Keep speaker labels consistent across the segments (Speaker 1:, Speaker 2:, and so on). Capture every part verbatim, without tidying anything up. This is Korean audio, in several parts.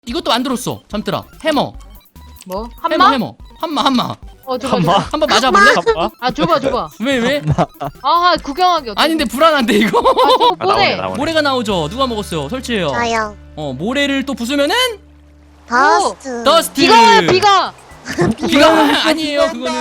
Speaker 1: 이것도 만들었어. 잠들아. 해머.
Speaker 2: 뭐?
Speaker 1: 해머
Speaker 2: 한마?
Speaker 1: 해머. 한마 한마.
Speaker 2: 어 줘봐
Speaker 3: 한마?
Speaker 2: 줘봐.
Speaker 1: 한번 맞아볼래?
Speaker 3: 잠깐만.
Speaker 2: 아 줘봐 줘봐.
Speaker 1: 왜 왜?
Speaker 2: 아 구경하기 어때?
Speaker 1: 아닌데 불안한데 이거.
Speaker 2: 아 저거
Speaker 3: 아, 나오네
Speaker 2: 보내.
Speaker 3: 나오네.
Speaker 1: 모래가 나오죠. 누가 먹었어요? 설치해요.
Speaker 4: 저요.
Speaker 1: 어 모래를 또 부수면은
Speaker 4: 더스트.
Speaker 1: 더스트.
Speaker 2: 비가 와요 비가.
Speaker 1: 비가 아니에요. 그거는.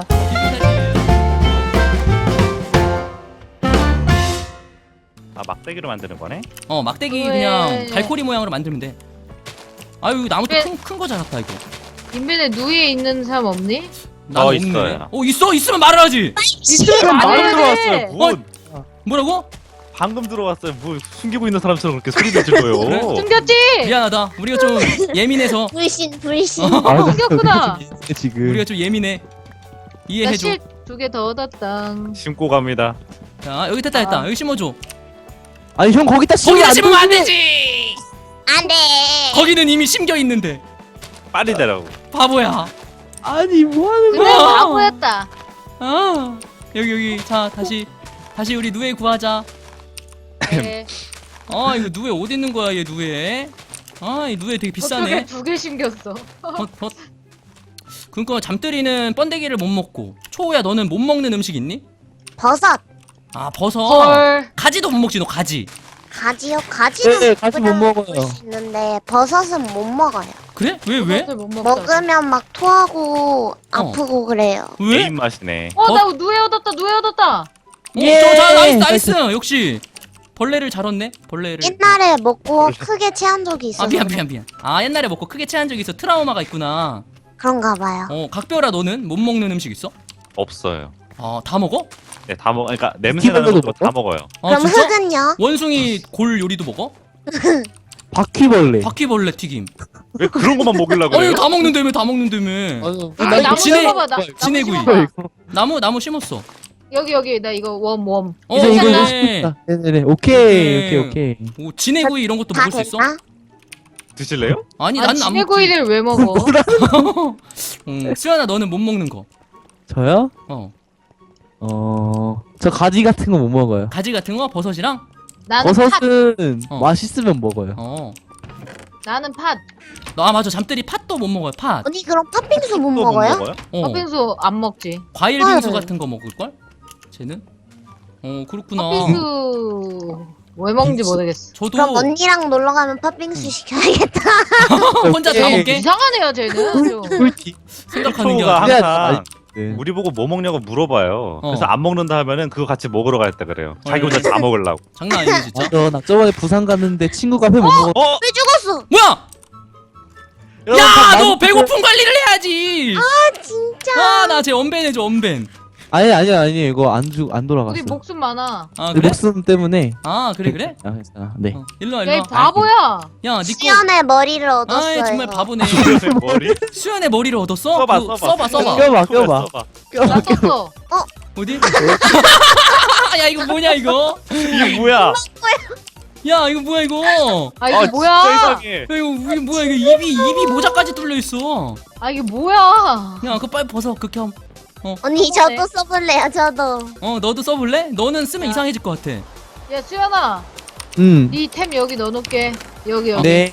Speaker 3: 아 막대기로 만드는 거네?
Speaker 1: 어 막대기
Speaker 2: 왜?
Speaker 1: 그냥 갈고리 모양으로 만들면 돼. 아유 이거 나무도
Speaker 2: 왜?
Speaker 1: 큰큰 거 자랐다 이거.
Speaker 2: 인벤에 누이에 있는 사람 없니?
Speaker 1: 난
Speaker 3: 어,
Speaker 1: 없네.
Speaker 3: 있어요.
Speaker 1: 어 있어 있으면 말을 하지.
Speaker 2: 있으면
Speaker 3: 방금
Speaker 2: 말해야
Speaker 3: 들어왔어요.
Speaker 2: 돼.
Speaker 3: 뭐
Speaker 1: 뭐라고?
Speaker 3: 방금 들어왔어요. 뭐 숨기고 있는 사람처럼 그렇게 소리 내실 거예요.
Speaker 1: 그래?
Speaker 2: 숨겼지?
Speaker 1: 미안하다. 우리가 좀 예민해서.
Speaker 4: 불신 불신.
Speaker 1: 어,
Speaker 2: 아, 숨겼구나.
Speaker 5: 지금
Speaker 1: 우리가 좀 예민해. 이해해줘.
Speaker 2: 나실두 개 더 얻었다.
Speaker 3: 심고 갑니다.
Speaker 1: 자 여기 됐다 됐다.
Speaker 2: 아.
Speaker 1: 여기 심어줘.
Speaker 5: 아니 형 거기다 심으면
Speaker 1: 거기다
Speaker 5: 안
Speaker 1: 심으면 안
Speaker 5: 되지.
Speaker 1: 되지.
Speaker 4: 안돼.
Speaker 1: 거기는 이미 심겨 있는데.
Speaker 3: 빨리 되라고.
Speaker 1: 바보야.
Speaker 5: 아니 뭐 하는
Speaker 2: 그래
Speaker 5: 거야?
Speaker 2: 바보였다.
Speaker 1: 아 여기 여기 자 다시 다시 우리 누에 구하자.
Speaker 2: 네.
Speaker 1: 아 이거 누에 어디 있는 거야 얘 누에. 아이 누에 되게 비싸네.
Speaker 2: 어떻게 두 개 심겼어?
Speaker 1: 헛, 헛. 그니까 잠들이는 번데기를 못 먹고 초우야 너는 못 먹는 음식 있니?
Speaker 4: 버섯.
Speaker 1: 아 버섯.
Speaker 2: 헐.
Speaker 1: 가지도 못 먹지 너 가지.
Speaker 4: 가지요. 가지는
Speaker 5: 네, 가지 못 먹어요.
Speaker 4: 먹을 수 있는데 버섯은 못 먹어요.
Speaker 1: 그래? 왜 왜?
Speaker 2: 버섯을 못 먹다.
Speaker 4: 먹으면 막 토하고 아프고 그래요.
Speaker 1: 왜?
Speaker 3: 개인 맛이네.
Speaker 2: 어나 누에 얻었다 누에 얻었다.
Speaker 1: 예. 자 나이스 나이스. 역시 벌레를 잘 얻네. 벌레를.
Speaker 4: 옛날에 먹고 크게 체한 적이 있어서
Speaker 1: 아 미안 미안 미안. 아 옛날에 먹고 크게 체한 적이 있어. 트라우마가 있구나.
Speaker 4: 그런가 봐요.
Speaker 1: 어 각별아 너는 못 먹는 음식 있어?
Speaker 3: 없어요.
Speaker 1: 아 다 먹어?
Speaker 3: 네, 다 먹. 그러니까 냄새 나는
Speaker 5: 스티븐도
Speaker 3: 거 다 먹어요.
Speaker 1: 아
Speaker 4: 그럼
Speaker 1: 진짜?
Speaker 4: 흙은요?
Speaker 1: 원숭이 골 요리도 먹어?
Speaker 5: 바퀴벌레.
Speaker 1: 바퀴벌레 튀김.
Speaker 3: 왜 그런 것만 먹으려고
Speaker 1: 아니
Speaker 3: 그래요?
Speaker 1: 다 먹는다며 다 먹는다며.
Speaker 2: 아,
Speaker 5: 나
Speaker 2: 나무
Speaker 1: 진해-
Speaker 2: 심어봐 나. 나무
Speaker 1: 진해구이.
Speaker 2: 심어봐.
Speaker 1: 나무 나무 심었어.
Speaker 2: 여기 여기 나 이거 웜 웜.
Speaker 1: 어
Speaker 5: 이제 이거 이거
Speaker 1: 됐네.
Speaker 5: 싶다. 네네네. 오케이
Speaker 1: 네.
Speaker 5: 오케이 오케이.
Speaker 1: 오 진해구이 이런 것도
Speaker 4: 다
Speaker 1: 먹을 수 있어?
Speaker 4: 됐나?
Speaker 3: 드실래요?
Speaker 1: 아니
Speaker 2: 아
Speaker 1: 나는 안 먹지.
Speaker 2: 지네구이를 왜 먹어?
Speaker 1: 음, 수연아 너는 못 먹는 거.
Speaker 5: 저요?
Speaker 1: 어
Speaker 5: 어. 저 가지 같은 거 못 먹어요.
Speaker 1: 가지 같은 거 버섯이랑.
Speaker 2: 나는 팥.
Speaker 5: 버섯은
Speaker 1: 어.
Speaker 5: 맛있으면 먹어요.
Speaker 1: 어.
Speaker 2: 나는 팥.
Speaker 1: 아 맞아 잠들이 팥도 못 먹어요 팥.
Speaker 4: 언니 그럼 팥빙수 못
Speaker 3: 또
Speaker 4: 먹어요?
Speaker 1: 어.
Speaker 2: 팥빙수 안 먹지.
Speaker 1: 과일 빙수
Speaker 4: 헐.
Speaker 1: 같은 거 먹을 걸? 쟤는? 어 그렇구나.
Speaker 2: 팥빙수 왜 먹는지 모르겠어.
Speaker 1: 저도
Speaker 4: 그럼 언니랑 놀러 가면 팥빙수 시켜야겠다.
Speaker 1: 혼자 다
Speaker 5: 오케이.
Speaker 1: 먹게
Speaker 2: 이상하네요 쟤는. 좀.
Speaker 5: 꿀팁.
Speaker 1: 생각하는 게
Speaker 3: 초우가
Speaker 1: 아니라.
Speaker 3: 항상
Speaker 5: 네.
Speaker 3: 우리 보고 뭐 먹냐고 물어봐요.
Speaker 1: 어.
Speaker 3: 그래서 안 먹는다 하면은 그거 같이 먹으러 가겠다 그래요. 자기
Speaker 1: 헐.
Speaker 3: 혼자 다 먹으려고.
Speaker 1: 장난 아니네 진짜.
Speaker 5: 맞아. 나 저번에 부산 갔는데 친구가 회 못 먹었.
Speaker 3: 어?
Speaker 4: 왜 죽었어?
Speaker 1: 뭐야?
Speaker 3: 여러분,
Speaker 1: 야
Speaker 3: 다
Speaker 1: 너
Speaker 3: 만-
Speaker 1: 배고픈 관리를 해야지.
Speaker 4: 아 진짜.
Speaker 1: 아 나 쟤 언벤 해줘 언벤.
Speaker 5: 아니 아니 아니 이거 안죽안 돌아갔어.
Speaker 2: 우리 목숨 많아.
Speaker 1: 아
Speaker 5: 내
Speaker 1: 그래?
Speaker 5: 목숨 때문에.
Speaker 1: 아 그래 그래?
Speaker 5: 아, 괜찮아. 네.
Speaker 1: 어, 일로 와
Speaker 2: 야 이
Speaker 1: 일로 와.
Speaker 2: 바보야.
Speaker 1: 야 니꺼.
Speaker 4: 수연의 머리를 얻었어요.
Speaker 1: 아이 정말 바보네.
Speaker 3: 수연의 머리?
Speaker 1: 수연의 머리를 얻었어?
Speaker 3: 써봐,
Speaker 1: 그거
Speaker 3: 써봐.
Speaker 1: 써봐 써봐.
Speaker 5: 껴봐 껴봐.
Speaker 3: 써봐.
Speaker 2: 나 썼어.
Speaker 1: 어디? 야 이거 뭐냐 이거?
Speaker 3: 이게 뭐야?
Speaker 1: 야 이거 뭐야 이거?
Speaker 2: 아 이게
Speaker 3: 아, 진짜
Speaker 2: 뭐야?
Speaker 3: 이상해.
Speaker 1: 야 이거 이게 뭐야 이거 입이 입이 모자까지 뚫려 있어.
Speaker 2: 아 이게 뭐야?
Speaker 1: 야 그거 빨리 벗어 극혐.
Speaker 4: 언니 저도 써볼래요. 저도.
Speaker 1: 어 너도 써볼래? 너는 쓰면
Speaker 2: 야.
Speaker 1: 이상해질 것 같아.
Speaker 2: 야 수연아,
Speaker 5: 음.
Speaker 2: 네 템 여기 넣어놓게. 여기 여기.
Speaker 5: 네.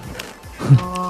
Speaker 2: 어,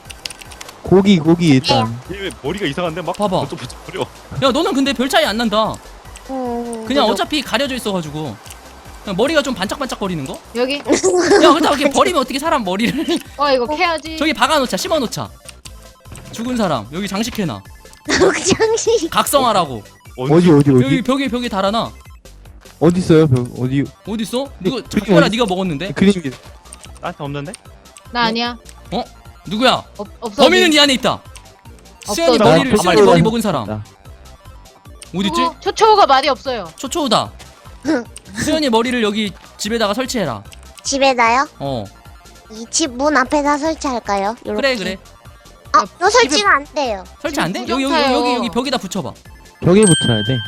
Speaker 5: 고기 고기 일단.
Speaker 3: 얘왜 머리가 이상한데 막
Speaker 1: 봐봐.
Speaker 3: 번쩍번쩍거려.
Speaker 1: 야 너는 근데 별 차이 안 난다.
Speaker 4: 음,
Speaker 1: 그냥
Speaker 4: 그죠?
Speaker 1: 어차피 가려져 있어가지고 그냥 머리가 좀 반짝반짝거리는 거?
Speaker 2: 여기.
Speaker 1: 야 그렇다고 이렇게 버리면 어떻게 사람 머리를
Speaker 2: 와 이거 캐야지.
Speaker 1: 저기 박아놓자 심어놓자. 죽은 사람 여기 장식해놔.
Speaker 4: 장식.
Speaker 1: 각성하라고.
Speaker 5: 어디 어디
Speaker 1: 여기
Speaker 5: 어디
Speaker 1: 벽에 벽에 달아놔.
Speaker 5: 어디 있어요? 벽 어디?
Speaker 1: 어디 있어? 누구
Speaker 5: 그림
Speaker 1: 작별아
Speaker 5: 어디-
Speaker 1: 네가 먹었는데?
Speaker 5: 그림이.
Speaker 3: 나한테 없는데?
Speaker 2: 나 아니야.
Speaker 1: 누구야?
Speaker 2: 없 없어.
Speaker 1: 범인은 네 안에 있다. 수연이
Speaker 2: 없어져.
Speaker 1: 머리를
Speaker 5: 나
Speaker 1: 수연이
Speaker 5: 가만히
Speaker 1: 머리
Speaker 5: 있어.
Speaker 1: 먹은 사람
Speaker 5: 나.
Speaker 1: 어딨지?
Speaker 2: 어, 초초가 말이 없어요.
Speaker 1: 초초우다. 수연이 머리를 여기 집에다가 설치해라.
Speaker 4: 집에다요?
Speaker 1: 어
Speaker 4: 이 집 문 앞에다 설치할까요? 요렇게.
Speaker 1: 그래 그래.
Speaker 4: 아, 너 설치가 안 돼요.
Speaker 1: 설치 안 돼?
Speaker 2: 지금
Speaker 1: 여기 여기
Speaker 2: 부정타요.
Speaker 1: 여기 여기 벽에다 붙여봐.
Speaker 5: 벽에 붙여야 돼.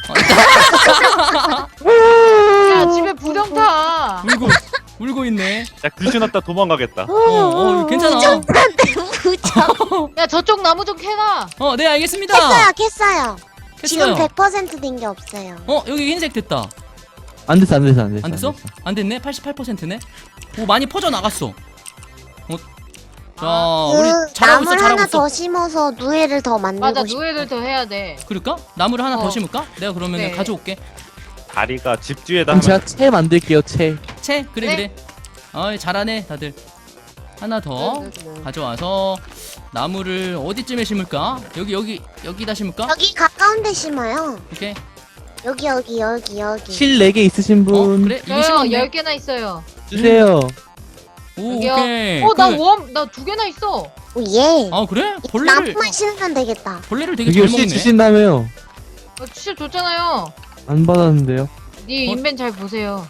Speaker 2: 야 집에 부정타.
Speaker 1: 울고 울고 있네.
Speaker 3: 야 귀신 왔다 도망가겠다.
Speaker 1: 어, 어 괜찮아.
Speaker 4: 무적.
Speaker 2: 야 저쪽 나무 좀 캐놔.
Speaker 1: 어, 네 알겠습니다.
Speaker 4: 캤어요, 캤어요. 지금
Speaker 1: 했어요.
Speaker 4: 백 퍼센트 된 게 없어요.
Speaker 1: 어, 여기 흰색 됐다.
Speaker 5: 안 됐어 안 됐어 안 됐어.
Speaker 1: 안 됐어? 안 됐네. 팔십팔 퍼센트네. 오, 많이 퍼져 나갔어. 어. 자 우리
Speaker 4: 그
Speaker 1: 잘하고 있어
Speaker 4: 나물
Speaker 1: 잘하고
Speaker 4: 하나
Speaker 1: 있어.
Speaker 4: 더 심어서 누에를 더 만들고
Speaker 2: 맞아
Speaker 4: 싶어.
Speaker 2: 누에를 더 해야 돼.
Speaker 1: 그럴까? 나무를 하나 더
Speaker 2: 어.
Speaker 1: 심을까? 내가 그러면
Speaker 2: 네.
Speaker 1: 가져올게.
Speaker 3: 다리가 집 뒤에다
Speaker 5: 그럼
Speaker 3: 하면
Speaker 5: 제가 채 만들게요 채.
Speaker 1: 채 그래
Speaker 2: 네.
Speaker 1: 그래. 어이 잘하네 다들. 하나 더
Speaker 2: 네, 네, 네.
Speaker 1: 가져와서 나무를 어디쯤에 심을까? 여기 여기 여기다 심을까?
Speaker 4: 여기 가까운 데 심어요.
Speaker 1: 오케이.
Speaker 4: 여기 여기 여기 여기.
Speaker 5: 실 네 개 있으신
Speaker 1: 어
Speaker 5: 분
Speaker 1: 그래 이거
Speaker 2: 저요
Speaker 1: 심었네.
Speaker 2: 열 개나 있어요.
Speaker 5: 주세요.
Speaker 1: 오
Speaker 2: 여기요.
Speaker 1: 오케이.
Speaker 2: 어나
Speaker 1: 그-
Speaker 2: 웜 나 두 개나 있어.
Speaker 4: 오 예.
Speaker 1: 아 그래? 벌레를
Speaker 4: 나무만 심으면 되겠다.
Speaker 1: 벌레를 되게
Speaker 5: 여기
Speaker 1: 잘
Speaker 5: 실
Speaker 1: 먹네.
Speaker 5: 주신다며요.
Speaker 2: 어, 실 줬잖아요.
Speaker 5: 안 받았는데요.
Speaker 2: 네
Speaker 1: 어?
Speaker 2: 인벤 잘 보세요.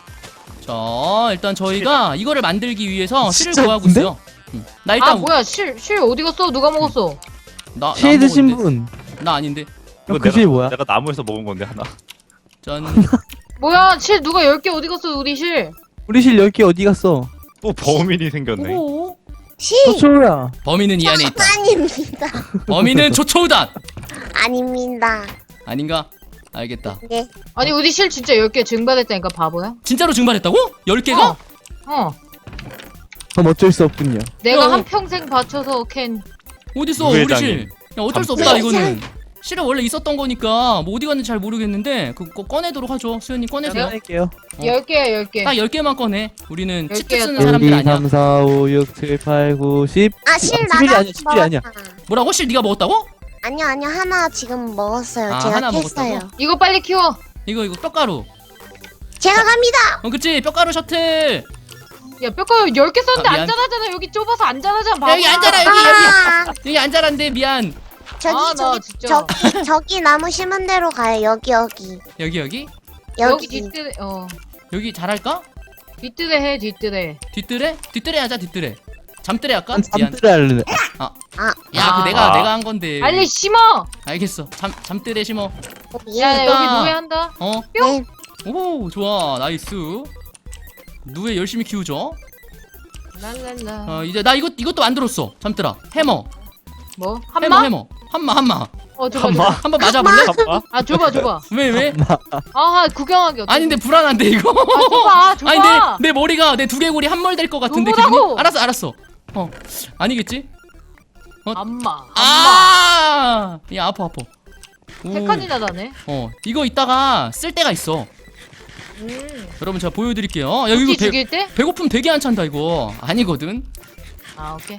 Speaker 1: 자 일단 저희가 이거를 만들기 위해서 실을
Speaker 5: 진짜
Speaker 1: 구하고
Speaker 5: 근데?
Speaker 1: 있어요. 응. 나 일단
Speaker 2: 아 뭐야 실 실 어디 갔어? 누가 먹었어?
Speaker 1: 나,
Speaker 5: 실
Speaker 1: 나
Speaker 5: 드신
Speaker 1: 먹었는데.
Speaker 5: 분.
Speaker 1: 나 아닌데.
Speaker 3: 이거
Speaker 5: 그 실 뭐야?
Speaker 3: 내가 나무에서 먹은 건데 하나.
Speaker 1: 전
Speaker 2: 뭐야 실 누가 열 개 어디 갔어 우리 실?
Speaker 5: 우리 실 열 개 어디 갔어?
Speaker 3: 또 범인이 생겼네.
Speaker 1: 오.
Speaker 4: 실
Speaker 5: 초초야.
Speaker 1: 범인은 이 안에 있다.
Speaker 4: 아닙니다.
Speaker 1: 범인은 조초우단.
Speaker 4: 아닙니다.
Speaker 1: 아닌가? 알겠다.
Speaker 4: 네.
Speaker 2: 아니 우리 실 진짜 열 개 증발했다니까 바보야?
Speaker 1: 진짜로 증발했다고? 열 개가?
Speaker 2: 어. 어.
Speaker 5: 그럼 어쩔 수 없군요.
Speaker 2: 내가
Speaker 1: 야,
Speaker 2: 한 평생 바쳐서 캔.
Speaker 1: 어딨어 우리
Speaker 3: 부회장님.
Speaker 1: 실? 야 어쩔 수 없다
Speaker 4: 잠깐.
Speaker 1: 이거는. 실은 원래 있었던 거니까 뭐 어디 갔는지 잘 모르겠는데 그거 꺼내도록 하죠. 수현님 꺼내세요.
Speaker 5: 할게요.
Speaker 1: 어.
Speaker 2: 열 개야 열 개.
Speaker 1: 딱 열 개만 꺼내. 우리는
Speaker 2: 열
Speaker 1: 치트
Speaker 2: 개야,
Speaker 1: 쓰는
Speaker 2: 또.
Speaker 1: 사람들
Speaker 5: 일, 이,
Speaker 1: 아니야.
Speaker 5: 삼, 사, 오, 육, 칠, 팔, 구, 십.
Speaker 4: 아 실
Speaker 5: 십일이
Speaker 4: 나가
Speaker 5: 아니야, 십일이 아니야.
Speaker 1: 뭐라고? 실 네가 먹었다고?
Speaker 4: 아니요 아니요 하나 지금 먹었어요.
Speaker 1: 아,
Speaker 4: 제가
Speaker 1: 하나
Speaker 4: 캤어요.
Speaker 1: 먹었다고?
Speaker 2: 이거 빨리 키워.
Speaker 1: 이거 이거 뼈가루.
Speaker 4: 제가 갑니다.
Speaker 1: 어 그치 뼈가루 셔틀.
Speaker 2: 야 뼈가루 열 개 썼는데
Speaker 1: 아, 미안.
Speaker 2: 안 자라잖아. 여기 좁아서 안 자라잖아. 바보야.
Speaker 1: 여기 앉아라 여기
Speaker 4: 아,
Speaker 1: 여기 여기 앉아란데 미안.
Speaker 4: 저기
Speaker 2: 아, 나
Speaker 4: 저기
Speaker 2: 진짜.
Speaker 4: 저기 저기 나무 심은 대로 가요. 여기 여기
Speaker 1: 여기 여기
Speaker 2: 여기
Speaker 4: 여기.
Speaker 2: 뒷뜰에 어
Speaker 1: 여기 잘할까?
Speaker 2: 뒷뜰에 해 뒷뜰에.
Speaker 1: 뒷뜰에? 뒷뜰에 하자 뒷뜰에. 잠뜰에 할까?
Speaker 5: 난
Speaker 1: 미안.
Speaker 5: 잠들을 할래.
Speaker 4: 아,
Speaker 1: 야, 그
Speaker 2: 아.
Speaker 1: 내가
Speaker 3: 아.
Speaker 1: 내가 한 건데.
Speaker 2: 빨리 심어.
Speaker 1: 알겠어. 잠 잠뜰에 심어.
Speaker 4: 오, 예.
Speaker 2: 야, 야 여기
Speaker 1: 됐다.
Speaker 2: 누에 한다.
Speaker 1: 어?
Speaker 4: 네.
Speaker 1: 오, 좋아. 나이스. 누에 열심히 키우죠.
Speaker 2: 랄랄라.
Speaker 1: 어, 이제 나 이것 이것도 만들었어. 잠들아. 해머.
Speaker 2: 뭐
Speaker 1: 해머
Speaker 2: 한마?
Speaker 1: 해머. 한마 한마.
Speaker 2: 어 줘봐
Speaker 3: 한마?
Speaker 2: 줘봐.
Speaker 1: 한번 맞아 볼래?
Speaker 3: 잠깐만.
Speaker 2: 아 줘봐 줘봐.
Speaker 1: 왜 왜?
Speaker 2: 아 구경하기 어때?
Speaker 1: 아니 근데 불안한데 이거.
Speaker 2: 아 줘봐 줘봐.
Speaker 1: 아니 내 내 머리가 내 두개골이 한멀 될 것 같은데
Speaker 2: 줘보라고.
Speaker 1: 기분이? 알았어 알았어. 어. 아니겠지?
Speaker 2: 안마. 안마.
Speaker 1: 아! 야 아파 아파. 오.
Speaker 2: 세 칸이나 나네.
Speaker 1: 어 이거 이따가 쓸 때가 있어.
Speaker 2: 음.
Speaker 1: 여러분 제가 보여드릴게요. 야 이거
Speaker 2: 혹시
Speaker 1: 배,
Speaker 2: 죽일 때?
Speaker 1: 배고픔 되게 안 찬다 이거. 아니거든.
Speaker 2: 아 오케이.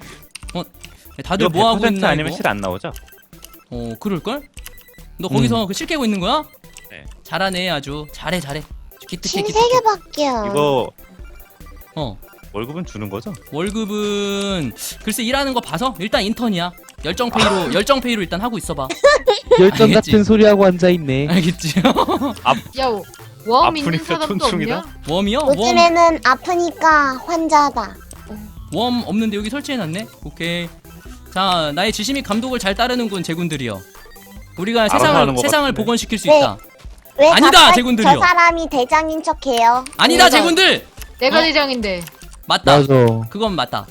Speaker 1: 다들
Speaker 3: 이거
Speaker 1: 뭐 하고
Speaker 3: 백 퍼센트
Speaker 1: 있나
Speaker 3: 아니면
Speaker 1: 이거?
Speaker 3: 실 안 나오죠?
Speaker 1: 어 그럴걸? 너 거기서 그 실 깨고 있는 거야?
Speaker 3: 네.
Speaker 1: 잘하네 아주. 잘해 잘해. 기특해
Speaker 4: 실
Speaker 1: 기특해.
Speaker 4: 세 개밖에요.
Speaker 3: 이거
Speaker 1: 어
Speaker 3: 월급은 주는 거죠?
Speaker 1: 월급은 글쎄 일하는 거 봐서 일단 인턴이야. 열정페이로 열정페이로 일단 하고 있어봐.
Speaker 5: 열정
Speaker 1: 알겠지?
Speaker 5: 같은 소리 하고 앉아 있네.
Speaker 1: 알겠지?
Speaker 2: 야 웜 있는
Speaker 3: 아프니까
Speaker 2: 사람도
Speaker 3: 촌충이다?
Speaker 2: 없냐?
Speaker 1: 웜이요? 웜,
Speaker 4: 요즘에는 아프니까 환자다.
Speaker 1: 웜 없는데 여기 설치해놨네. 오케이. 자 나의 지심이 감독을 잘 따르는군 제군들이여. 우리가
Speaker 3: 알아서
Speaker 1: 세상을
Speaker 3: 하는 것
Speaker 1: 세상을
Speaker 3: 같은데.
Speaker 1: 복원시킬 수
Speaker 4: 네.
Speaker 1: 있다.
Speaker 4: 왜
Speaker 1: 아니다,
Speaker 4: 갑자기
Speaker 1: 제군들이요.
Speaker 4: 저 사람이 대장인 척해요?
Speaker 1: 아니다
Speaker 2: 내가-
Speaker 1: 제군들.
Speaker 2: 내가
Speaker 1: 어?
Speaker 2: 대장인데.
Speaker 1: 맞다.
Speaker 5: 맞아.
Speaker 1: 그건 맞다.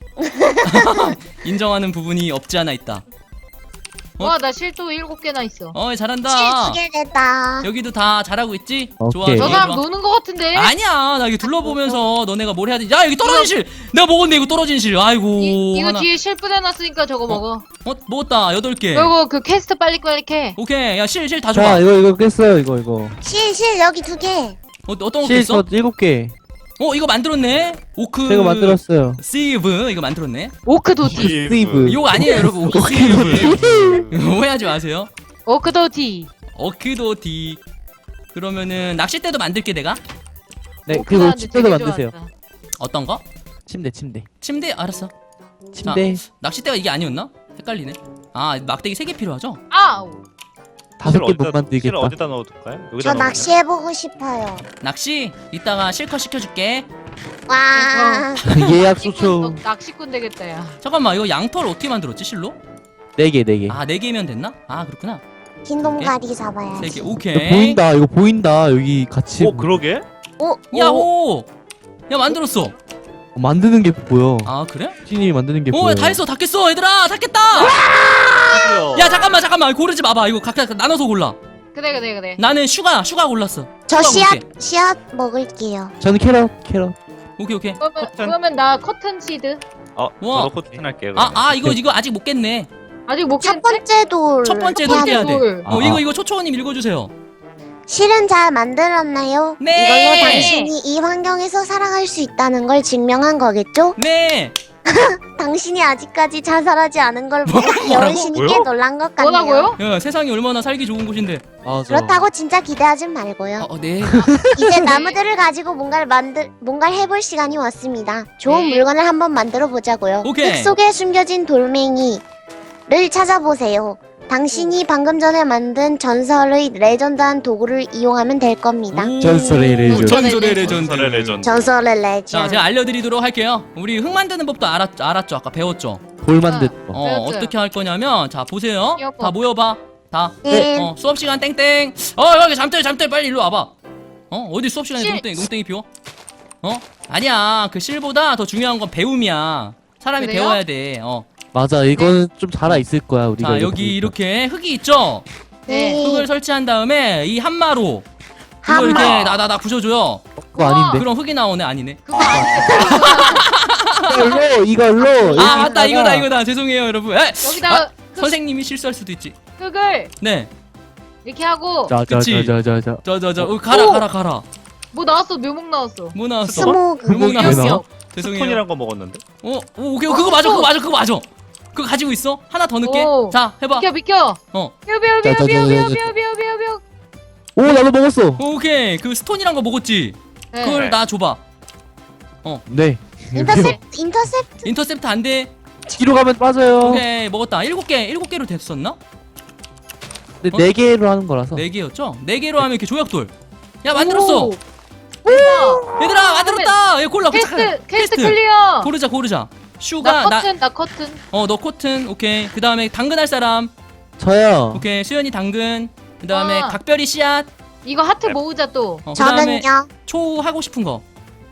Speaker 1: 인정하는 부분이 없지 않아 있다. 어?
Speaker 2: 와 나 실도 일곱 개나 있어.
Speaker 1: 어 잘한다.
Speaker 4: 실 두 개 됐다.
Speaker 1: 여기도 다 잘하고 있지? 좋아
Speaker 5: 오케이.
Speaker 1: 좋아
Speaker 2: 저 사람
Speaker 1: 좋아.
Speaker 2: 노는 거 같은데?
Speaker 1: 아니야 나 이거 둘러보면서 너네가 뭘 해야 되지? 야 여기 떨어진 실! 내가 먹었네 이거 떨어진 실. 아이고
Speaker 2: 이, 이거
Speaker 1: 하나.
Speaker 2: 뒤에 실 뿌려놨으니까 저거 먹어.
Speaker 1: 어 먹었다 여덟 개.
Speaker 2: 그리고 그 퀘스트 빨리 빨리 캐.
Speaker 1: 오케이 야 실 실 다
Speaker 5: 자
Speaker 1: 줘봐.
Speaker 5: 이거 이거 깼어요 이거 이거.
Speaker 4: 실, 실 여기 두 개.
Speaker 1: 어, 어떤 거
Speaker 5: 실
Speaker 1: 깼어?
Speaker 5: 저 일곱 개.
Speaker 1: 어 이거 만들었네. 오크
Speaker 5: 제가 만들었어요.
Speaker 1: 시브 이거 만들었네.
Speaker 2: 오크도티.
Speaker 5: 스티브.
Speaker 1: 이거 아니에요 여러분. 오크 시브. 오해하지 마세요.
Speaker 2: 오크도티.
Speaker 1: 어크도디. 그러면은 낚싯대도 만들게 내가.
Speaker 5: 네
Speaker 2: 오크
Speaker 5: 그리고
Speaker 2: 나왔는데
Speaker 5: 침대도
Speaker 2: 되게
Speaker 5: 만드세요.
Speaker 2: 좋았다.
Speaker 1: 어떤 거?
Speaker 5: 침대 침대.
Speaker 1: 침대 알았어.
Speaker 5: 침대
Speaker 1: 낚싯대가 이게 아니었나? 헷갈리네. 아 막대기 세 개 필요하죠?
Speaker 2: 아우.
Speaker 5: 다섯
Speaker 3: 실
Speaker 5: 개
Speaker 3: 어디다-
Speaker 5: 못 만들겠다.
Speaker 3: 실 어디다 넣어둘까요? 여기다
Speaker 4: 저
Speaker 3: 넣어둘까요?
Speaker 4: 낚시해보고 싶어요.
Speaker 1: 낚시 이따가 실컷 시켜줄게.
Speaker 4: 와.
Speaker 5: 예약
Speaker 2: 낚시꾼,
Speaker 5: 소초
Speaker 2: 너 낚시꾼 되겠다 야.
Speaker 1: 잠깐만 이거 양털 어떻게 만들었지 실로?
Speaker 5: 네 개 네 개.
Speaker 1: 아 네 개면 됐나? 아 그렇구나.
Speaker 4: 긴 놈가리 잡아야지.
Speaker 1: 세 개
Speaker 5: 이거
Speaker 1: 오케이.
Speaker 5: 보인다 이거 보인다 여기 같이
Speaker 3: 어 그러게?
Speaker 4: 오,
Speaker 1: 야호. 야 만들었어.
Speaker 5: 어, 만드는 게 보여.
Speaker 1: 아 그래?
Speaker 5: 신이 만드는 게 보여.
Speaker 1: 어 다 했어 다 깼어 얘들아 다 깼다.
Speaker 3: 드디어.
Speaker 1: 야 잠깐만 잠깐만 고르지 마봐 이거 각각 나눠서 골라.
Speaker 2: 그래 그래 그래.
Speaker 1: 나는 슈가 슈가 골랐어.
Speaker 4: 저
Speaker 1: 슈가
Speaker 4: 씨앗,
Speaker 1: 먹을게.
Speaker 4: 씨앗 먹을게요.
Speaker 5: 저는 캐럿 캐럿.
Speaker 1: 오케이 오케이.
Speaker 2: 그러면
Speaker 3: 커튼.
Speaker 2: 그러면 나 커튼 시드.
Speaker 3: 어,
Speaker 1: 우와.
Speaker 3: 저도 코튼 할게요.
Speaker 1: 아,
Speaker 3: 그러면.
Speaker 1: 아 이거 이거 아직 못 깼네.
Speaker 2: 아직 못
Speaker 4: 첫
Speaker 2: 깼는데?
Speaker 4: 번째 돌.
Speaker 1: 첫 번째
Speaker 4: 해야
Speaker 1: 돌 깨야
Speaker 4: 돼.
Speaker 1: 돼.
Speaker 2: 돌.
Speaker 1: 어
Speaker 5: 아.
Speaker 1: 이거 이거 초초원님 읽어주세요.
Speaker 4: 실은 잘 만들었나요?
Speaker 1: 네.
Speaker 4: 이걸로 당신이 이 환경에서 살아갈 수 있다는 걸 증명한 거겠죠?
Speaker 1: 네.
Speaker 4: 당신이 아직까지 자살하지 않은 걸 보고
Speaker 1: 뭐라고?
Speaker 4: 귀여운 신이 꽤
Speaker 3: 뭐요?
Speaker 4: 놀란 것 같네요.
Speaker 2: 뭐라고요?
Speaker 1: 야 세상이 얼마나 살기 좋은 곳인데.
Speaker 5: 맞아.
Speaker 4: 그렇다고 진짜 기대하진 말고요.
Speaker 1: 어, 어 네.
Speaker 4: 이제 나무들을 가지고 뭔가를 만들 뭔가를 해볼 시간이 왔습니다. 좋은
Speaker 2: 네.
Speaker 4: 물건을 한번 만들어 보자고요.
Speaker 1: 오케이.
Speaker 4: 흙 속에 숨겨진 돌멩이를 찾아보세요. 당신이 방금 전에 만든 전설의 레전드한 도구를 이용하면 될 겁니다.
Speaker 1: 오,
Speaker 5: 전설의 레전드.
Speaker 1: 전설의 레전드.
Speaker 3: 전설의 레전드.
Speaker 4: 전설의
Speaker 1: 자
Speaker 4: 레전드.
Speaker 1: 제가 알려드리도록 할게요. 우리 흙 만드는 법도 알았, 알았죠. 아까 배웠죠.
Speaker 5: 돌 만든 거.
Speaker 1: 어
Speaker 2: 배웠어요.
Speaker 1: 어떻게 할 거냐면 자 보세요.
Speaker 2: 기억법.
Speaker 1: 다 모여봐. 다.
Speaker 4: 네.
Speaker 1: 어 수업 시간 땡땡. 어 여기 잠들 잠들 빨리 일로 와봐. 어 어디 수업 시간에
Speaker 2: 실-
Speaker 1: 농땡이 농땡이 피워? 어 아니야 그 실보다 더 중요한 건 배움이야. 사람이
Speaker 2: 그래요?
Speaker 1: 배워야 돼. 어.
Speaker 5: 맞아, 이거는 좀 자라 있을 거야 우리가.
Speaker 1: 자
Speaker 5: 이거
Speaker 1: 여기
Speaker 5: 보니까.
Speaker 1: 이렇게 흙이 있죠.
Speaker 2: 네.
Speaker 1: 흙을 설치한 다음에 이 한마로 이거
Speaker 4: 한마.
Speaker 1: 이렇게 나 나 나 부셔줘요.
Speaker 5: 그거 아닌데.
Speaker 1: 그럼 흙이 나오네. 아니네.
Speaker 2: 그거 아닌데.
Speaker 5: 이걸로 이걸로.
Speaker 1: 아 맞다
Speaker 5: 여기다가
Speaker 1: 이거다 이거다. 죄송해요 여러분. 에,
Speaker 2: 여기다가
Speaker 1: 아, 선생님이 실수할 수도 있지.
Speaker 2: 흙을
Speaker 1: 네.
Speaker 2: 이렇게 하고
Speaker 1: 그치.
Speaker 5: 자자자자자.
Speaker 1: 저 저 저 가라
Speaker 2: 오!
Speaker 1: 가라 가라.
Speaker 2: 뭐 나왔어? 묘목 나왔어.
Speaker 1: 뭐 나왔어?
Speaker 4: 스모그.
Speaker 1: 묘목
Speaker 5: 묘목이
Speaker 1: 나왔어.
Speaker 5: 나와?
Speaker 1: 죄송해요.
Speaker 3: 스톤이란 거 먹었는데.
Speaker 1: 어, 오, 오케이 그거 맞아 그거 맞아 그거 맞아. 그거 가지고 있어? 하나 더 넣게.
Speaker 2: 오.
Speaker 1: 자 해봐.
Speaker 2: 비켜 비켜.
Speaker 1: 어.
Speaker 2: 뼈뼈뼈뼈뼈뼈뼈뼈.
Speaker 5: 오, 나도 먹었어.
Speaker 1: 오케이 그 스톤이란 거 먹었지.
Speaker 2: 네.
Speaker 1: 그걸 나 줘봐.
Speaker 5: 네.
Speaker 4: 인터셉트 인터셉트.
Speaker 1: 인터셉트 안 돼.
Speaker 5: 뒤로 가면 빠져요.
Speaker 1: 오케이 먹었다. 일곱 개 일곱 개로 됐었나?
Speaker 5: 근데
Speaker 1: 어?
Speaker 5: 네 개로 하는 거라서.
Speaker 1: 네 개였죠? 네 개로 하면 이렇게 조약돌. 야 만들었어.
Speaker 2: 오. 대박.
Speaker 1: 얘들아 만들었다. 얘 골라.
Speaker 2: 퀘스트
Speaker 1: 잠깐.
Speaker 2: 퀘스트 클리어.
Speaker 1: 고르자 고르자.
Speaker 2: 나
Speaker 1: 슈가
Speaker 2: 커튼 나 커튼.
Speaker 1: 나어너 코튼 오케이. 그 다음에 당근 할 사람.
Speaker 5: 저요.
Speaker 1: 오케이 수연이 당근. 그 다음에
Speaker 2: 와.
Speaker 1: 각별이 씨앗.
Speaker 2: 이거 하트 모으자 또.
Speaker 1: 어, 그 다음에
Speaker 4: 저는요.
Speaker 1: 초 하고 싶은 거.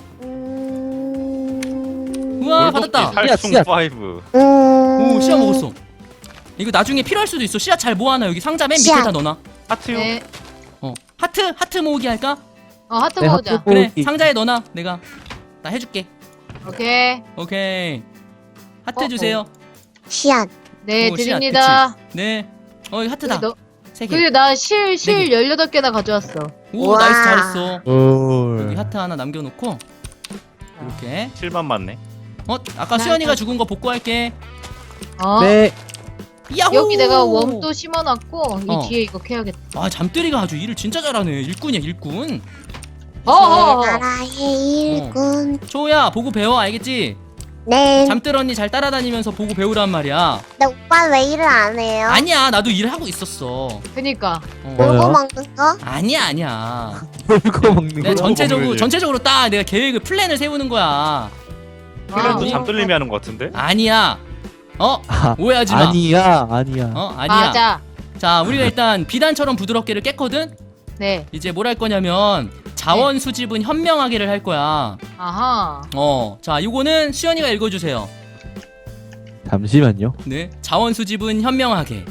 Speaker 4: 음...
Speaker 1: 우와 받았다.
Speaker 3: 살충
Speaker 5: 씨앗.
Speaker 3: 파이브.
Speaker 4: 음...
Speaker 1: 오 씨앗 먹었어. 이거 나중에 필요할 수도 있어. 씨앗 잘 모아놔. 여기 상자 맨
Speaker 4: 씨앗.
Speaker 1: 밑에다 넣어놔.
Speaker 3: 하트요.
Speaker 2: 네.
Speaker 1: 어 하트 하트 모으기 할까?
Speaker 2: 어 하트
Speaker 5: 네,
Speaker 2: 모으자.
Speaker 5: 하트
Speaker 1: 그래
Speaker 5: 모으기.
Speaker 1: 상자에 넣어놔. 내가 나 해줄게.
Speaker 2: 오케이.
Speaker 1: 오케이. 하트
Speaker 2: 어,
Speaker 1: 주세요.
Speaker 4: 씨앗.
Speaker 2: 네
Speaker 1: 오, 씨앗,
Speaker 2: 드립니다.
Speaker 1: 네. 어 이거 하트다.
Speaker 2: 너,
Speaker 1: 세 개.
Speaker 2: 근데 나실 실
Speaker 1: 네 개.
Speaker 2: 열여덟 개나 가져왔어.
Speaker 1: 오
Speaker 4: 우와.
Speaker 1: 나이스 잘했어.
Speaker 5: 오.
Speaker 1: 여기 하트 하나 남겨놓고 이렇게.
Speaker 3: 칠만 맞네.
Speaker 1: 어 아까
Speaker 2: 나
Speaker 1: 수연이가
Speaker 2: 일단-
Speaker 1: 죽은 거 복구할게.
Speaker 2: 어?
Speaker 5: 네.
Speaker 1: 야호.
Speaker 2: 여기 내가 웜도 심어놨고
Speaker 1: 어.
Speaker 2: 이 뒤에 이거 캐야겠다.
Speaker 1: 아 잠들이가 아주 일을 진짜 잘하네. 일꾼이야 일꾼.
Speaker 2: 어어어.
Speaker 4: 나라의 일꾼.
Speaker 1: 초야 보고 배워 알겠지?
Speaker 4: 네.
Speaker 1: 잠들 언니 잘 따라다니면서 보고 배우란 말이야.
Speaker 4: 근데 오빠 왜 일을 안 해요?
Speaker 1: 아니야 나도 일을 하고 있었어.
Speaker 2: 그니까.
Speaker 1: 어.
Speaker 5: 뭐야?
Speaker 4: 놀고 먹는 거?
Speaker 1: 아니야 아니야.
Speaker 5: 물고 먹는
Speaker 1: 내가
Speaker 5: 거.
Speaker 1: 전체적으로
Speaker 3: 먹어야지.
Speaker 1: 전체적으로 딱 내가 계획을 플랜을 세우는 거야.
Speaker 3: 플랜도
Speaker 2: 아,
Speaker 3: 잠들림이 하는 거 같은데.
Speaker 1: 아니야. 어
Speaker 5: 아,
Speaker 1: 오해하지 마.
Speaker 5: 아니야, 아니야.
Speaker 1: 어 아니야.
Speaker 2: 맞아.
Speaker 1: 자 우리가 일단 비단처럼 부드럽게를 깼거든.
Speaker 2: 네.
Speaker 1: 이제 뭘 할 거냐면 자원 수집은 현명하게를 할 거야.
Speaker 2: 아하.
Speaker 1: 어, 자 이거는 수연이가 읽어주세요.
Speaker 5: 잠시만요.
Speaker 1: 네, 자원 수집은 현명하게.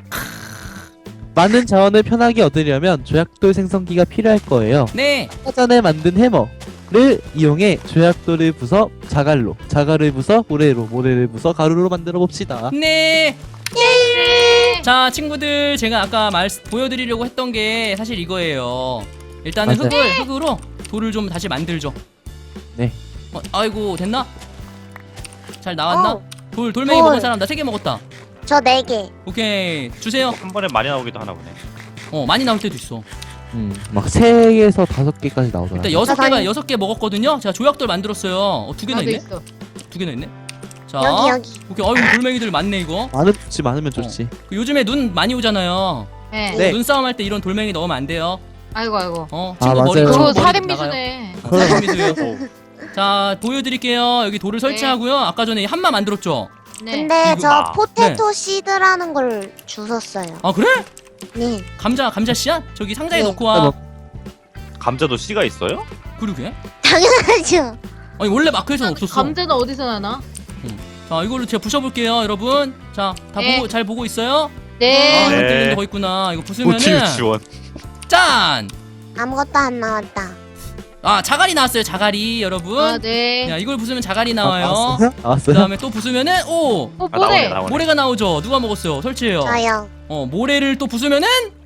Speaker 5: 많은 자원을 편하게 얻으려면 조약돌 생성기가 필요할 거예요.
Speaker 1: 네,
Speaker 5: 아까 전에 만든 해머를 이용해 조약돌을 부숴 자갈로, 자갈을 부숴 모래로, 모래를 부숴 가루로 만들어 봅시다.
Speaker 1: 네.
Speaker 2: 네.
Speaker 1: 자 친구들 제가 아까 말 보여드리려고 했던 게 사실 이거예요. 일단은
Speaker 5: 맞아요.
Speaker 1: 흙을 흙으로 돌을 좀 다시 만들죠.
Speaker 5: 네.
Speaker 1: 어, 아이고 됐나? 잘 나왔나?
Speaker 4: 어.
Speaker 1: 돌 돌멩이
Speaker 4: 돌.
Speaker 1: 먹은 사람 나 세 개 먹었다.
Speaker 4: 저 네 개.
Speaker 1: 오케이 주세요.
Speaker 3: 한 번에 많이 나오기도 하나 보네.
Speaker 1: 어 많이 나올 때도 있어.
Speaker 5: 음, 막 세 개에서 다섯 개까지 나오더라.
Speaker 1: 일단 여섯
Speaker 4: 나
Speaker 1: 개가
Speaker 4: 다니-
Speaker 1: 여섯 개 먹었거든요. 제가 조약돌 만들었어요. 어, 두 개나
Speaker 2: 나도
Speaker 1: 있네.
Speaker 2: 있어.
Speaker 1: 두 개나 있네. 자
Speaker 4: 여기 여기.
Speaker 1: 오케이 어이구 돌멩이들 많네 이거.
Speaker 5: 많으면 좋지, 많으면 좋지.
Speaker 1: 그 요즘에 눈 많이 오잖아요.
Speaker 2: 네.
Speaker 5: 네.
Speaker 1: 눈싸움 할 때 이런 돌멩이 넣으면 안 돼요.
Speaker 2: 아이고 아이고.
Speaker 1: 어,
Speaker 5: 아,
Speaker 1: 친구 머리
Speaker 5: 맞아요.
Speaker 1: 친구
Speaker 2: 그거
Speaker 1: 머리
Speaker 2: 살인
Speaker 1: 나가요.
Speaker 2: 미수네.
Speaker 1: 어, 살인 미수예요.
Speaker 3: 오.
Speaker 1: 자 보여드릴게요. 여기 돌을 설치하고요. 아까 전에 한마 만들었죠.
Speaker 2: 네.
Speaker 4: 근데
Speaker 1: 이거-
Speaker 4: 저
Speaker 3: 아.
Speaker 4: 포테토 시드라는 걸 주웠어요.
Speaker 1: 아 그래?
Speaker 4: 네.
Speaker 1: 감자 감자 씨앗 저기 상자에
Speaker 4: 네.
Speaker 1: 넣고
Speaker 5: 아,
Speaker 1: 와.
Speaker 5: 뭐.
Speaker 3: 감자도 씨가 있어요?
Speaker 1: 그러게.
Speaker 4: 당연하죠.
Speaker 1: 아니 원래 마크에서는 없었어.
Speaker 2: 감자는 어디서 나나?
Speaker 1: 자 이걸로 제가 부셔볼게요, 여러분. 자 다
Speaker 2: 네.
Speaker 1: 보고 잘 보고 있어요?
Speaker 2: 네.
Speaker 1: 아,
Speaker 3: 네.
Speaker 1: 흔들리는 거 있구나. 이거
Speaker 3: 고치
Speaker 1: 부수면은
Speaker 3: 유치원.
Speaker 1: 짠.
Speaker 4: 아무것도 안 나왔다.
Speaker 1: 아 자갈이 나왔어요. 자갈이 여러분.
Speaker 2: 아, 네.
Speaker 1: 야 이걸 부수면 자갈이 나와요.
Speaker 5: 나왔어요?
Speaker 1: 그
Speaker 5: 나왔어요?
Speaker 1: 다음에 또 부수면은 오
Speaker 2: 어,
Speaker 3: 아, 나오네
Speaker 2: 뭐래?
Speaker 3: 나오네.
Speaker 1: 모래가 나오죠. 누가 먹었어요? 설치해요.
Speaker 4: 저요.
Speaker 1: 어 모래를 또 부수면은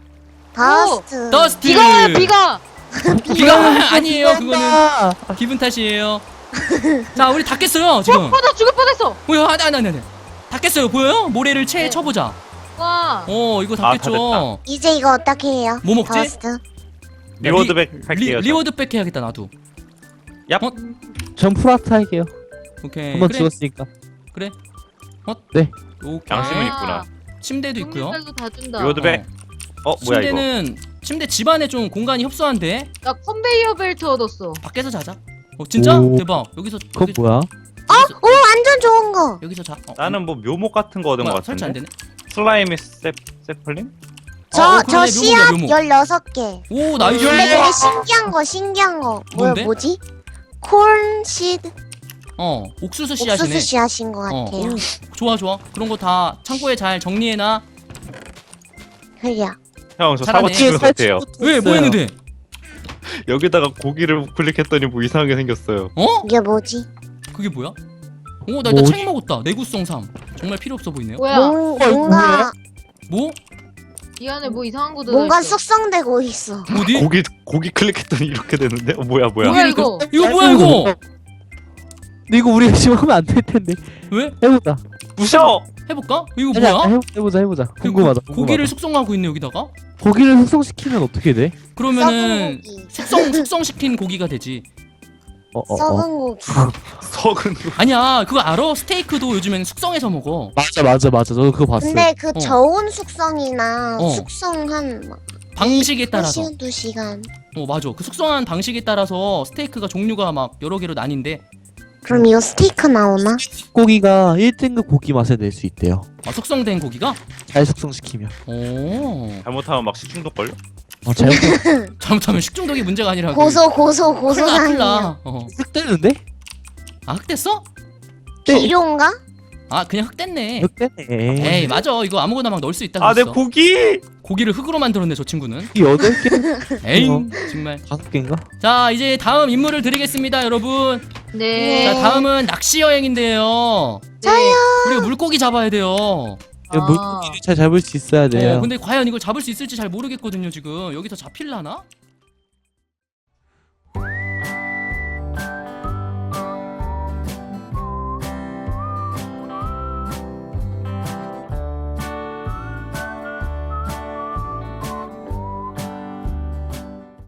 Speaker 4: 더스트.
Speaker 1: 더스트.
Speaker 2: 비가 비가.
Speaker 1: 비가 아니에요. 그거는
Speaker 5: 아,
Speaker 1: 기분 탓이에요. 자 우리 다 깼어요 지금.
Speaker 2: 어, 나 죽을 뻔했어.
Speaker 1: 뭐야? 아니 아니 아니. 아니. 다 깼어요. 보여요? 모래를 채
Speaker 2: 네.
Speaker 1: 쳐보자.
Speaker 2: 와.
Speaker 1: 어 이거 다
Speaker 3: 아,
Speaker 1: 깼죠.
Speaker 3: 다
Speaker 4: 이제 이거 어떻게 해요?
Speaker 1: 뭐 먹지?
Speaker 4: 더스트.
Speaker 3: 리워드백 할게요.
Speaker 1: 리, 리워드백 해야겠다 나도.
Speaker 3: 얍.
Speaker 1: 어?
Speaker 5: 전 프라트 할게요.
Speaker 1: 오케이.
Speaker 5: 한번
Speaker 1: 그래.
Speaker 5: 죽었으니까.
Speaker 1: 그래. 어?
Speaker 5: 네.
Speaker 1: 오케이.
Speaker 3: 양심은
Speaker 2: 아.
Speaker 3: 있구나.
Speaker 1: 침대도 있고요.
Speaker 2: 성질도 다 준다.
Speaker 3: 리워드백. 어, 뭐야 이거?
Speaker 1: 침대는 침대 집 안에 좀 공간이 협소한데
Speaker 2: 나 컨베이어 벨트 얻었어.
Speaker 1: 밖에서 자자. 어 진짜?
Speaker 5: 오.
Speaker 1: 대박. 여기서
Speaker 5: 그건
Speaker 1: 여기,
Speaker 5: 뭐야?
Speaker 1: 여기서,
Speaker 4: 오 완전 좋은 거.
Speaker 1: 여기서 자. 어,
Speaker 3: 나는 뭐 묘목 같은 거 얻은
Speaker 1: 뭐야,
Speaker 3: 거
Speaker 1: 설치 안
Speaker 3: 같은데.
Speaker 1: 되네.
Speaker 3: 슬라임의 세 세플린?
Speaker 4: 저
Speaker 1: 어,
Speaker 4: 저
Speaker 1: 그러네,
Speaker 4: 씨앗
Speaker 1: 묘목이야, 묘목.
Speaker 4: 열여섯 개.
Speaker 1: 오 나이스.
Speaker 4: 근데 되게 신기한 거 신기한 거. 뭐야
Speaker 1: 뭔데?
Speaker 4: 뭐지? 콘시드
Speaker 1: 어 옥수수 씨앗이네.
Speaker 4: 옥수수 씨앗인 것
Speaker 1: 어,
Speaker 4: 같아요.
Speaker 1: 오, 좋아 좋아. 그런 거 다 창고에 잘 정리해놔.
Speaker 4: 그래요.
Speaker 3: 형, 저
Speaker 1: 잘하네.
Speaker 3: 사고 치면 어때요?
Speaker 1: 왜 뭐 했는데?
Speaker 3: 여기다가 고기를 클릭했더니 뭐 이상하게 생겼어요.
Speaker 1: 어?
Speaker 4: 이게 뭐지?
Speaker 1: 그게 뭐야? 오 나 일단
Speaker 5: 뭐지?
Speaker 1: 책 먹었다. 내구성 삼. 정말 필요 없어 보이네요.
Speaker 2: 뭐야?
Speaker 4: 뭔,
Speaker 5: 어,
Speaker 4: 뭔가
Speaker 5: 뭐야?
Speaker 1: 뭐?
Speaker 2: 이 안에 뭐 이상한 거
Speaker 4: 뭔가
Speaker 2: 들어있어.
Speaker 4: 숙성되고 있어.
Speaker 1: 어디?
Speaker 3: 고기 고기 클릭했더니 이렇게 되는데? 어, 뭐야 뭐야?
Speaker 2: 뭐야
Speaker 1: 고기를
Speaker 2: 이거?
Speaker 1: 이거 뭐야 이거?
Speaker 5: 근데 이거 우리가 지금 하면 안 될 텐데.
Speaker 1: 왜?
Speaker 5: 해보자.
Speaker 3: 부셔.
Speaker 1: 해볼까? 이거
Speaker 5: 아니, 아니,
Speaker 1: 뭐야?
Speaker 5: 해- 해보자 해보자. 궁금하다.
Speaker 1: 고, 고기를
Speaker 5: 궁금하다.
Speaker 1: 숙성하고 있네 여기다가.
Speaker 5: 고기를 숙성시키면 어떻게 돼?
Speaker 1: 그러면은
Speaker 4: 썩은 고기.
Speaker 1: 숙성 숙성시킨 고기가 되지.
Speaker 5: 어, 어, 어.
Speaker 4: 썩은 고기.
Speaker 3: 석은
Speaker 1: 아니야 그거 알아? 스테이크도 요즘엔 숙성해서 먹어.
Speaker 5: 맞아 맞아 맞아. 저도 그거 봤어요.
Speaker 4: 근데 그
Speaker 1: 어.
Speaker 4: 저온 숙성이나
Speaker 1: 어.
Speaker 4: 숙성한 막
Speaker 1: 방식에
Speaker 4: 한
Speaker 1: 따라서.
Speaker 4: 시간 두 시간.
Speaker 1: 어 맞아. 그 숙성한 방식에 따라서 스테이크가 종류가 막 여러 개로 나뉜데.
Speaker 4: 그럼 이거 스테이크 나오나?
Speaker 5: 고기가 일 등급 고기 맛을 낼 수 있대요.
Speaker 1: 아, 숙성된 고기가?
Speaker 5: 잘 숙성시키면.
Speaker 1: 오.
Speaker 3: 잘못하면 막 식중독 걸려?
Speaker 5: 어, 잘못
Speaker 1: 잘못하면 식중독이 문제가 아니라.
Speaker 4: 고소 고소
Speaker 1: 큰일 나, 큰일
Speaker 4: 고소상이야.
Speaker 1: 나. 어.
Speaker 5: 흑되는데?
Speaker 1: 아 흑됐어?
Speaker 4: 비료인가?
Speaker 1: 아 그냥 흑됐네.
Speaker 5: 흑되네.
Speaker 1: 에이 맞아 이거 아무거나 막 넣을 수 있다
Speaker 3: 아, 내
Speaker 1: 그랬어.
Speaker 3: 고기!
Speaker 1: 고기를 흑으로 만들었네 저 친구는.
Speaker 5: 이 여덟 개?
Speaker 1: 에이
Speaker 5: 어.
Speaker 1: 정말.
Speaker 5: 다섯 개인가?
Speaker 1: 자 이제 다음 임무를 드리겠습니다 여러분.
Speaker 2: 네.
Speaker 1: 자 다음은 낚시 여행인데요.
Speaker 2: 저요.
Speaker 1: 우리가 물고기 잡아야 돼요.
Speaker 5: 이거
Speaker 2: 아.
Speaker 5: 물고기를 잘 잡을 수 있어야 돼요.
Speaker 1: 어, 근데 과연 이걸 잡을 수 있을지 잘 모르겠거든요 지금. 여기서 잡힐라나?